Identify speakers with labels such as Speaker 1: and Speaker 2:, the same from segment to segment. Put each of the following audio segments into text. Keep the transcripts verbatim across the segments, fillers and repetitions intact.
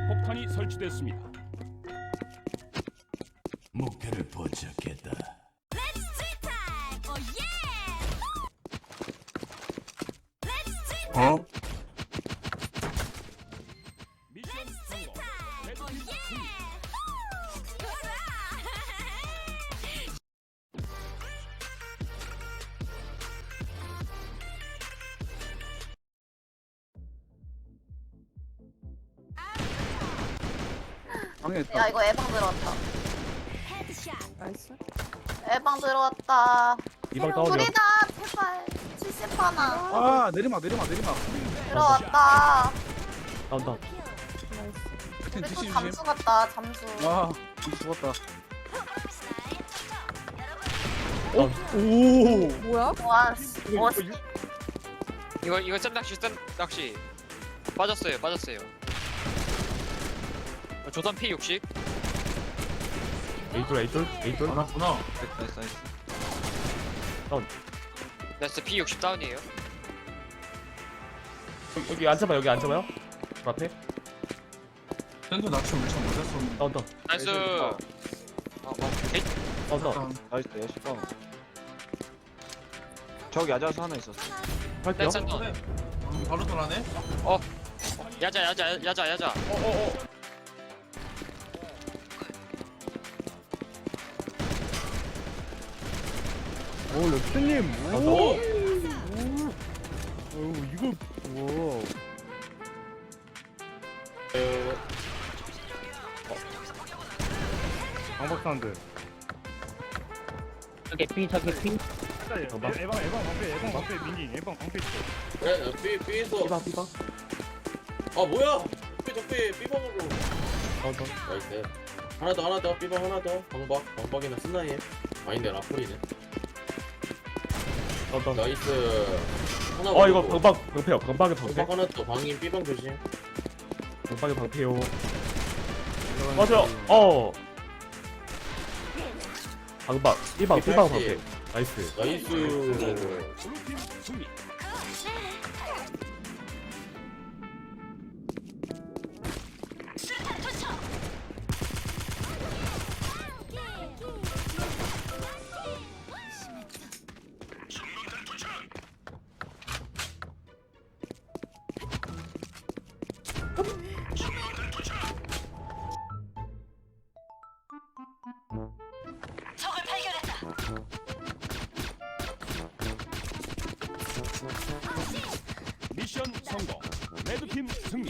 Speaker 1: 폭탄이 설치됐습니다.
Speaker 2: 목표를 포착했다. 어?
Speaker 1: 미션 성공. 레드팀 승리.
Speaker 3: 방해했다.
Speaker 4: 야 이거 에방 들어왔다.
Speaker 5: 나이스.
Speaker 4: 에방 들어왔다.
Speaker 6: 이방 다운이야.
Speaker 4: 둘이다 제발. 칠십 하나
Speaker 3: 아 내리막 내리막 내리막.
Speaker 4: 들어왔다.
Speaker 6: 다운 다운.
Speaker 5: 나이스.
Speaker 3: 하여튼
Speaker 4: 우리
Speaker 3: 디시
Speaker 4: 또
Speaker 3: 조심.
Speaker 4: 잠수 같다 잠수.
Speaker 3: 와 디시 죽었다.
Speaker 6: 오.
Speaker 5: 뭐야?
Speaker 4: 와 씨. 와, 씨.
Speaker 7: 이거 이거 짠 낚시 짠 낚시 빠졌어요 빠졌어요. 어, 조단 피 육십.
Speaker 6: 에이돌 에이돌 에이돌.
Speaker 3: 알았구나.
Speaker 7: 나이스 나이스.
Speaker 6: 다운.
Speaker 7: 나이스 피 육십 다운이에요.
Speaker 6: 여기, 여기 앉아봐 여기 앉아봐요. 그 앞에.
Speaker 3: 샌드 낚시 엄청 맞았었는데.
Speaker 6: 다운 다운.
Speaker 7: 나이스. 어, 어, 에이,
Speaker 6: 다운 다운.
Speaker 8: 나이스 야시방 저기 야자수 하나 있었어
Speaker 6: 할게요.
Speaker 7: 댄스 다운.
Speaker 3: 음, 바로 돌아네.
Speaker 7: 야자 야자 야자 야자.
Speaker 6: 어어어.
Speaker 9: 오 렉스님
Speaker 6: 다운
Speaker 9: 오
Speaker 6: 다운.
Speaker 9: 어우 이거 와 방박 사운드
Speaker 6: 저기 피 저기 피.
Speaker 9: 에방 에방 방패 에방 방패 민기 에방 방패 있어
Speaker 10: 그래, B, B에서.
Speaker 6: 삐방 삐방.
Speaker 10: 아, 뭐야? 적배, 적배, B방으로.
Speaker 6: 다운 다운.
Speaker 10: 나이스. 하나 더, 하나 더, B방 하나 더. 방박, 방박이나 스나이에. 아닌데, 라플이네.
Speaker 6: 다운 다운.
Speaker 10: 나이스. 하나
Speaker 6: 어 이거
Speaker 10: 먹고.
Speaker 6: 방방 방패요. 방방의 방패.
Speaker 10: 방박 하나 더, 방인 B방 조심.
Speaker 6: 방방의 방패요. 맞아요. 어. 방방 삐방 삐방 방패. 나이스.
Speaker 10: 나이스.
Speaker 1: 블루팀 승리. 미션 성공. 레드팀 승리.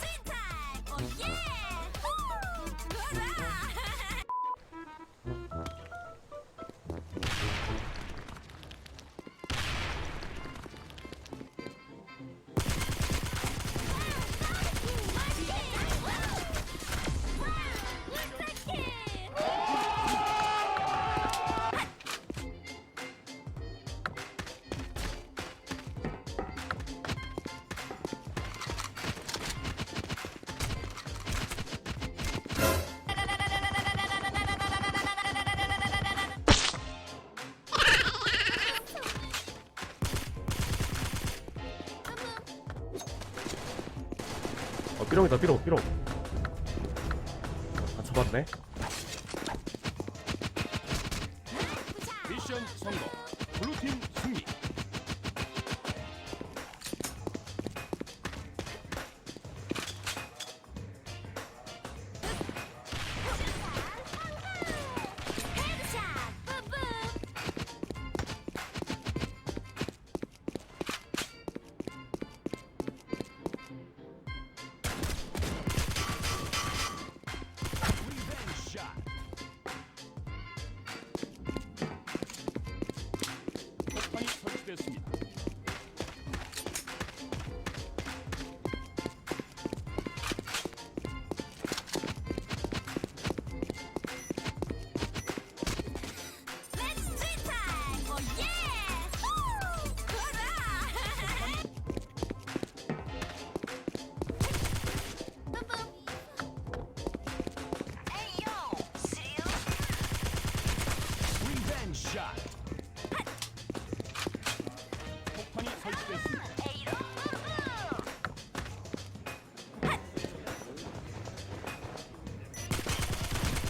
Speaker 6: 어 삐롱이다 삐롱 삐롱. 아 잡았네.
Speaker 1: 미션 성공. 블루팀 승리.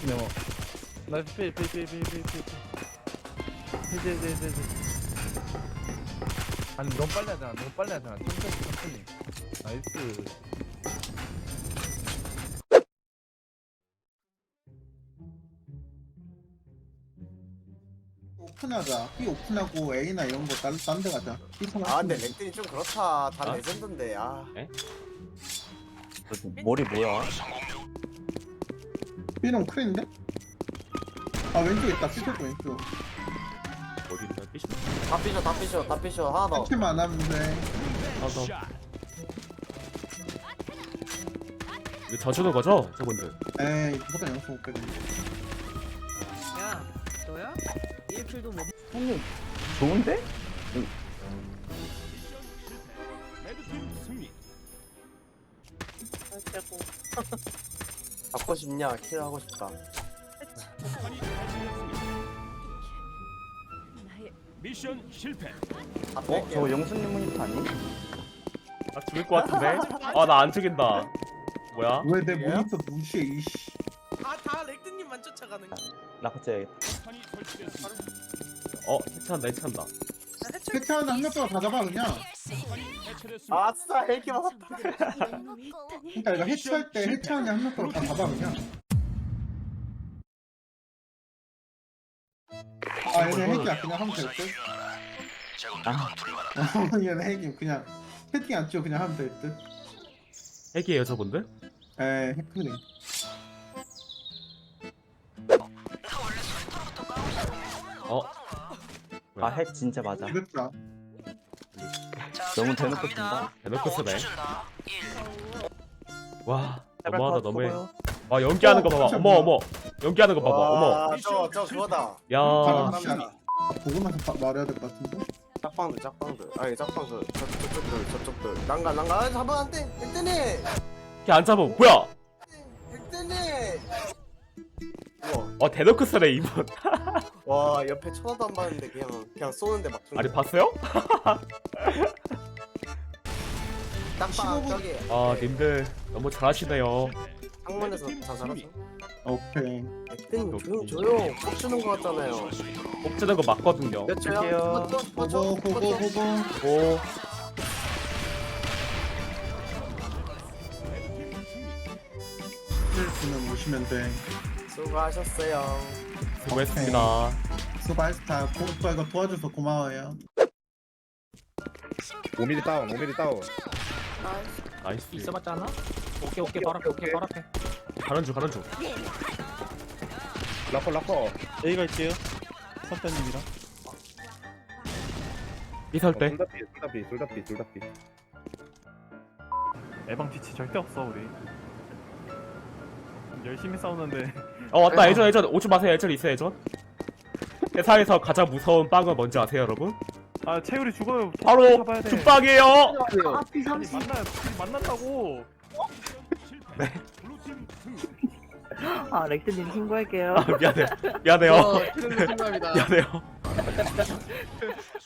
Speaker 3: 네모. 나이스 필필필필필필. 네네네네. 아니 너무 빨리 하잖아. 너무 빨리 하잖아. 천천히 천천히. 나이스.
Speaker 11: 오픈하자. B 오픈하고 A나 이런 거 딴 데 가자. B
Speaker 8: 아 근데 렉들이 좀 그렇다. 다 레전드인데. 아.
Speaker 10: 머리 뭐야?
Speaker 11: B는 크린데? 아 왼쪽 있다. B 쪽 왼쪽.
Speaker 6: 어디 있나? 삐시.
Speaker 8: 다 삐셔 다 삐셔 다 삐셔 하나 더.
Speaker 11: 터치만 안 하면 돼.
Speaker 6: 하나 더.
Speaker 1: 샷.
Speaker 6: 이거 져주는 거죠? 저분들.
Speaker 11: 에이 무조건 영수 못 빼네.
Speaker 5: 야, 너야? 일 킬도 못.
Speaker 10: 좋은데?
Speaker 1: 레드팀 승리.
Speaker 8: 잡고 싶냐? 킬 하고 싶다.
Speaker 1: 폭탄이 설치됐습니다. 미션 실패.
Speaker 8: 어? 저거
Speaker 10: 영수님 모니터 아니?
Speaker 6: 아 죽을 것 같은데? 아 나 안 죽인다. 뭐야?
Speaker 11: 왜 내 모니터 무시해 이씨.
Speaker 5: 아다 렉드님만 쫓아가는.
Speaker 10: 나 갑자기
Speaker 1: 폭탄이 설치됐습니다.
Speaker 6: 어 해체한다 해체한다.
Speaker 11: 해체하는 한 명 동안 다 잡아 그냥.
Speaker 1: 폭탄이 해체됐습니다.
Speaker 8: 아싸 헬기 맞았다.
Speaker 11: 그러니까 이거 해체할 때 해체하는 한 명 동안 다 잡아 그냥. 아 얘네 핵이야 그냥 하면 될 듯. 아 얘네 핵이 그냥 채팅 안 치고 그냥 하면 될 듯.
Speaker 6: 핵이에요 저분들?
Speaker 11: 에이 핵크네.
Speaker 6: 어?
Speaker 10: 아 핵 진짜 맞아.
Speaker 11: 이겼다.
Speaker 10: 너무 대놓고 친다.
Speaker 6: 대놓고 쓰네. 와
Speaker 10: 제발
Speaker 6: 너무하다
Speaker 10: 더
Speaker 6: 너무해.
Speaker 10: 써봐요.
Speaker 6: 와 연기하는 거 봐봐.
Speaker 11: 진짜
Speaker 6: 어머 어머. 연기하는 거 봐봐. 어머.
Speaker 8: 와, 저, 저 그거다.
Speaker 6: 야.
Speaker 11: 바람 씨. 보고 나서 바- 말해야 될 것 같은데.
Speaker 8: 짝방들 짝방들. 아니 짝방들. 저, 저쪽들 저쪽들. 난가 난가. 아, 잡으면 안 돼. 백대니.
Speaker 6: 걔안 잡아. 뭐야?
Speaker 8: 백대니. 우와.
Speaker 6: 어 대놓고 쓰네 이분.
Speaker 8: 와 옆에 쳐다도 안 봤는데 그냥 그냥 쏘는데 막.
Speaker 6: 아니 봤어요?
Speaker 8: 짝방 저기.
Speaker 6: 아 님들 너무 잘하시네요.
Speaker 8: 창문에서 자살하죠.
Speaker 11: 오케이.
Speaker 8: 백대니 조용 조용. 꼭 주는 거 같잖아요.
Speaker 6: 꼭 쓰는 거 맞거든요.
Speaker 8: 몇 초야?
Speaker 11: 보고 보고 보고.
Speaker 6: 오.
Speaker 11: 힐 주면 오시면 돼.
Speaker 8: 수고하셨어요.
Speaker 6: 수고했습니다.
Speaker 11: 수고하셨다. 오빠 이거 도와줘서 고마워요.
Speaker 9: 오 밀리 다운 오 밀리 다운.
Speaker 6: 나이스.
Speaker 3: 있어봤잖아. 오케이 오케이 바로 앞에 오케이 바로 앞에.
Speaker 6: 가는 중 가는 중.
Speaker 9: 라커 라커. A 갈게요. 선배님이랑.
Speaker 6: 이설 때.
Speaker 9: 둘다 피, 둘다 피, 둘다 피, 둘다 피. 에방 뒤치 절대 없어 우리. 열심히 싸우는데.
Speaker 6: 어 왔다 예전 예전 오지 마세요 예전 있어요 예전. 세상에서 가장 무서운 빵은 뭔지 아세요 여러분?
Speaker 9: 아 채율이 죽어요.
Speaker 6: 바로
Speaker 9: 잡아야 돼.
Speaker 6: 죽빵이에요.
Speaker 9: 아니 만나 만난다고.
Speaker 1: 실패. 블루팀 승리.
Speaker 5: 아 렉드님 신고할게요.
Speaker 6: 아 미안해 미안해요.
Speaker 3: 어, 키는 순간이다.
Speaker 6: 미안해요.